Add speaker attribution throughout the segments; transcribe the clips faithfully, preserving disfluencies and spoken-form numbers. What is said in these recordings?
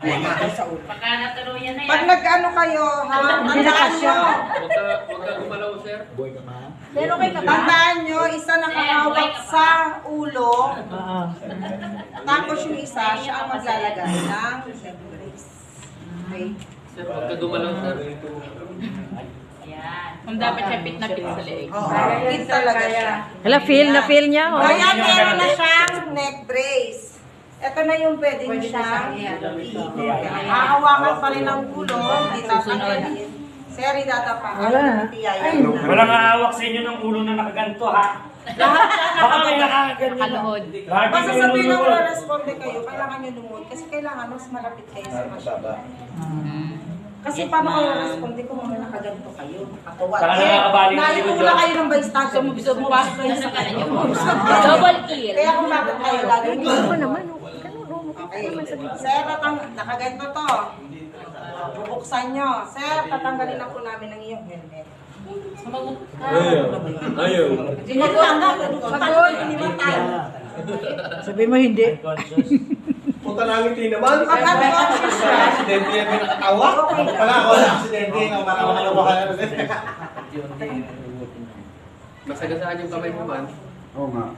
Speaker 1: Pagka natuluyan na yan.
Speaker 2: Pag nag-ano kayo, ha? Tandaan nyo.
Speaker 3: Huwag ka, huwag ka gumalaw, sir.
Speaker 4: Pero okay ka ba?
Speaker 2: Tandaan nyo, isa nakahawak sa ulo.
Speaker 4: Oo.
Speaker 2: Tapos yung isa, siya ang maglalagay ng leg brace. Okay?
Speaker 3: Sir, huwag ka gumalaw, sir.
Speaker 1: Yan.
Speaker 5: Kung dapat siya pit na pit sa leeg.
Speaker 2: Oo, fit talaga siya.
Speaker 4: Hala, feel na feel niya. Oh.
Speaker 2: Kaya meron na siyang neck brace. Ito na yung pwede nyo siyang hahawakan pa rin ang ulo, hindi tatanggalin. Sir, idatapakan.
Speaker 4: Wala.
Speaker 6: Walang hahawak sa inyo ng ulo na nakaganto, ha? Baka may nakaganto.
Speaker 5: Kalood.
Speaker 6: Lagi
Speaker 2: Basta
Speaker 6: kayo
Speaker 2: sabihin na
Speaker 6: luluhod.
Speaker 2: wala responde kayo, kailangan nyo lumuhod. Kasi kailangan mas malapit kayo sa machine. Kasi paano kayo responde kung mga nakaganto kayo, nakatuwad.
Speaker 6: Saka nakakabali ng likod
Speaker 2: Naipula
Speaker 6: yun.
Speaker 2: kayo ng bystander,
Speaker 5: Gusto mo ba?
Speaker 1: Nasa kanan yung
Speaker 5: Double kill.
Speaker 2: Kaya kung bakit kayo lagi nyo.
Speaker 4: Ako naman, oh. Ganun, oh.
Speaker 2: Okay. Sir, tatang nakaganto to. Bubuksan nyo. Sir, tatanggalin na po namin ang iyong helmet.
Speaker 3: Ayaw. Ayaw.
Speaker 2: Hindi mo lang. Pagod, hindi mo tayo.
Speaker 4: Sabi mo hindi.
Speaker 7: Punta namin tingin naman.
Speaker 2: Pag unconscious siya,
Speaker 7: Aksidente yan may nakatawa. Wala ako na aksidente. Ako para makalabahan na rin.
Speaker 3: Masagasaan yung kamay mo, man.
Speaker 7: Oo nga.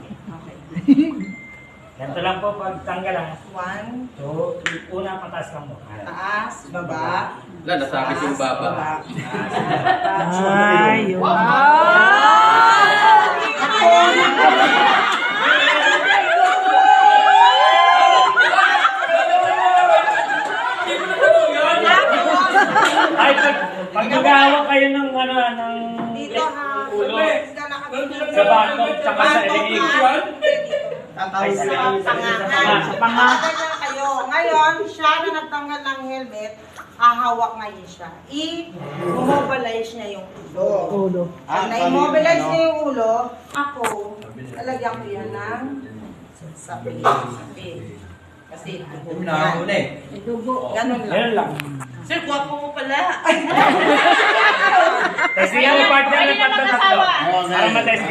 Speaker 6: Ganito lang po pag tanggalan.
Speaker 2: one,
Speaker 6: So, una pataas lang mo.
Speaker 2: taas, baba.
Speaker 3: Wala, nasakit yung baba.
Speaker 4: Ay, yun.
Speaker 6: Ay, pag, pag nag-ahawak kayo ng ano, ng
Speaker 2: Dito ha.
Speaker 6: ulo,
Speaker 2: Dito nakabito.
Speaker 6: sa batok, tsaka sa ilig.
Speaker 2: Sa
Speaker 6: Ay, sa ilig.
Speaker 2: pangahan.
Speaker 6: Sa panga.
Speaker 2: Ganyan kayo. Ngayon, siya na nagtanggal ng helmet, hahawak ngayon siya. I-mobilize niya yung ulo.
Speaker 4: Ulo.
Speaker 2: Pag na-immobilize niya yung ulo, ako, lalagyan ko yan ng sabi. Sabi. Kasi dugo yan.
Speaker 7: eh.
Speaker 2: Ganun lang.
Speaker 6: Ganun lang.
Speaker 1: Sir, guwapo mo pala.
Speaker 6: Kasi yung partner na pagtatatlo. Para matest